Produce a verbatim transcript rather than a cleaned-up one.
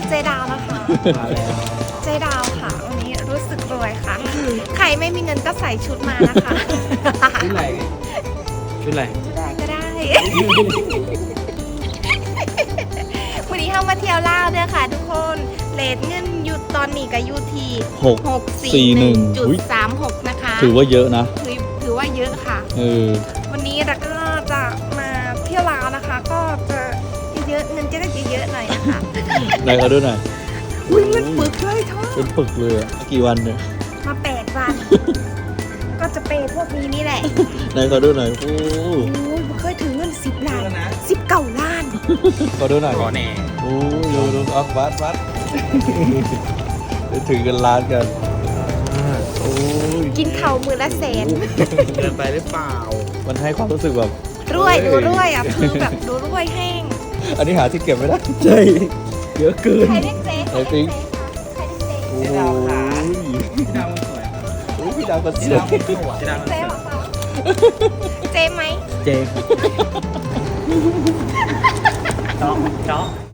เจดาวนะคะมาแล้วเจดาวค่ะวันนี้รู้สึกรวยค่ะ ใครไม่มีเงินก็ใส่ชุดมานะคะชุดอะไรชุดอะไรชุดอะไรก็ได้ วันนี้เข้ามาเที่ยวลาวเด้อค่ะทุกคนเลทเงินหยุดตอนนี้กับยูทีหกหกสี่หนึ่งจุดอุ๊ยสามหกนะคะถือว่าเยอะนะถือถือว่าเยอะค่ะเออวันนี้เราก็จะมาเที่ยวลาวนะคะ ก็จะเยอะๆเงินจะได้เยอะๆหน่อยนะคะไหนเขาดูหน่อยอุ้ยเงินปึกเลยเท่าเป็นปึกเลยอะกี่วันเนี่ยมาแปดวัน ก็จะเปย์พวกนี้นี่แหละไหนเขาดูหน่อย โอ้โอ้ยเคยถือเงินสิบล้านสิบเก้าล้านเขาดูหน่อยขอแน่โอ้ดูดูเอาวัดวัดไปถึงกันล้านกันโอ้ยกินเข่าวมือละแสนเกินไปหรือเปล่ามันให้ความรู้สึกแบบรวยเฮ้ดูยรวยอ่ะคือแบบดูรวยแห้งอันนี้หาที่เก็บไม่ได้ ใช่เยอะเกินใครเรียกเจ๊ใครไอ้ปิ๊เรียงกเจ๊คะใครเรียกเจ๊โอ้ยพี่ดาวสวยโอ้ยพี่ดาวก็สพี่วดาวย สวยพี่ดาวเจ๊เหรอคะเจ๊ไหมเจเจาะเจาะ